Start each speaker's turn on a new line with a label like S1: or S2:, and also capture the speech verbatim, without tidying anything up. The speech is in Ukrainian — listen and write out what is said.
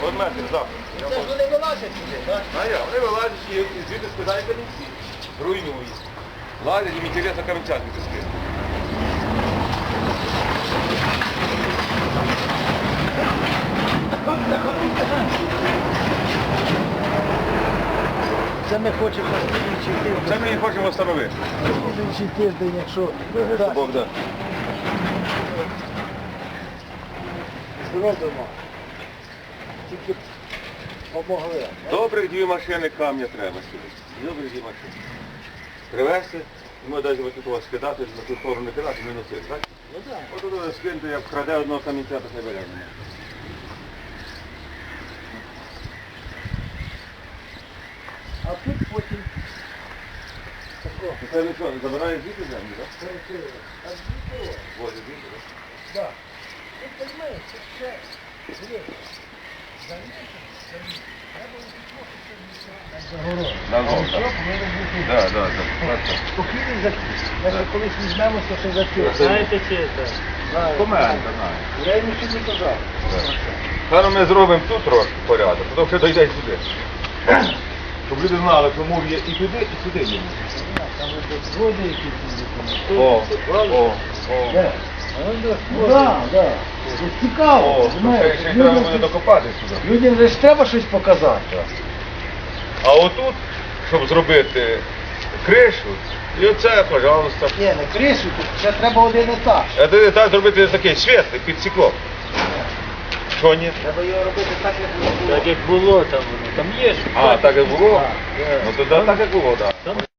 S1: От метр запуск.
S2: Це ж вони вилазять сюди, так?
S1: А я, вони вилазять і і звідти скидають камінці. Руйнують. Лазять, їм інтересно камінця звідти скидати.
S2: Це ми хочемо на слідуючий
S1: Це
S2: тиждень.
S1: ми їх хочемо встановити.
S2: Слідуючий тиждень, якщо дасть,
S1: Бог да.
S2: зробимо. Тільки помогли.
S1: Добрих дві машини камня треба сюди. Добрих дві машини. Привезти, і ми навіть ось тут вас скидати, на ту сторону не кидати, не носити, так?
S2: Ну так.
S1: Ось тут скинути, як вкраде одного камінця, так не бере.
S2: А тут потім тако.
S1: Це ви що, забираєш звідти землю, так?
S2: Перекрили. А звідти?
S1: Возить звідти, так?
S2: Так. Тут розумієш, це все. Дивіться. Залізти, залізти. Треба укріпити, що
S1: На
S2: А
S1: город.
S2: що повинно бути?
S1: Так, так, так.
S2: Спокійний захід. Якщо колись візьмемося, то захід.
S3: Знаєте чи це?
S2: Знаю.
S1: Команда, знаю.
S2: Я йому ще не казав.
S1: Зараз ми зробимо тут трошки порядок, потім ще дійде сюди. Щоб люди знали, що мур є і туди, і сюди є.
S2: Там ось згоди якісь документи.
S1: О, о, о.
S2: Де? Ну так, так. Це цікаво.
S1: О, то
S2: розумієш?
S1: ще, ще й треба
S2: Людям
S1: буде
S2: ж-
S1: докопати сюди.
S2: Людям же ж треба щось показати.
S1: А отут, щоб зробити кришу, і оце, пожалуйста.
S2: Ні, не кришу, тут ще треба один етаж.
S1: Це так зробити такий світлий під стеклом. Що ні?
S2: Треба його робити так, як воно було.
S3: Так як було там воно. Там є ж.
S1: А, так як було?
S2: Так, є.
S1: Ну тоді так як було, так.
S3: Там